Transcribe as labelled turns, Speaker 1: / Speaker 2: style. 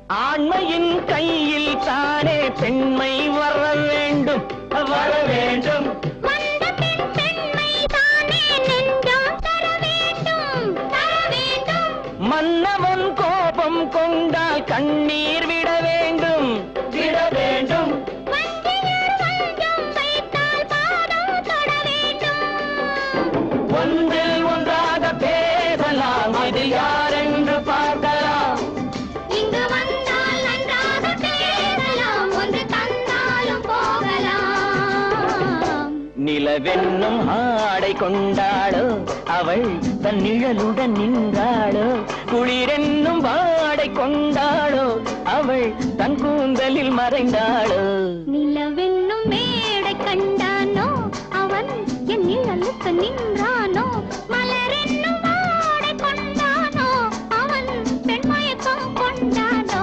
Speaker 1: ஆண்மையின் கையில் தானே பெண்மை வர வேண்டும் வர வேண்டும். மன்னவன் கோபம் கொண்டால் கண்ணீர் விட வேண்டும் விட வேண்டும். ஒன்றில் ஒன்றாக பேசலாம், அது யார் என்று பார்க்கலாம்.
Speaker 2: இங்கு வந்தால் நன்றாக பேசலாம், ஒன்று தந்தாலும் போகலாம்.
Speaker 1: நிலவென்னும் ஆடை கொண்டாளோ அவள் தன் நிழலுடன் நின்றாளோ, குளிரென்னும் வாடை கொண்டாளோ அவள் தன் கூந்தலில் மறைந்தாளோ.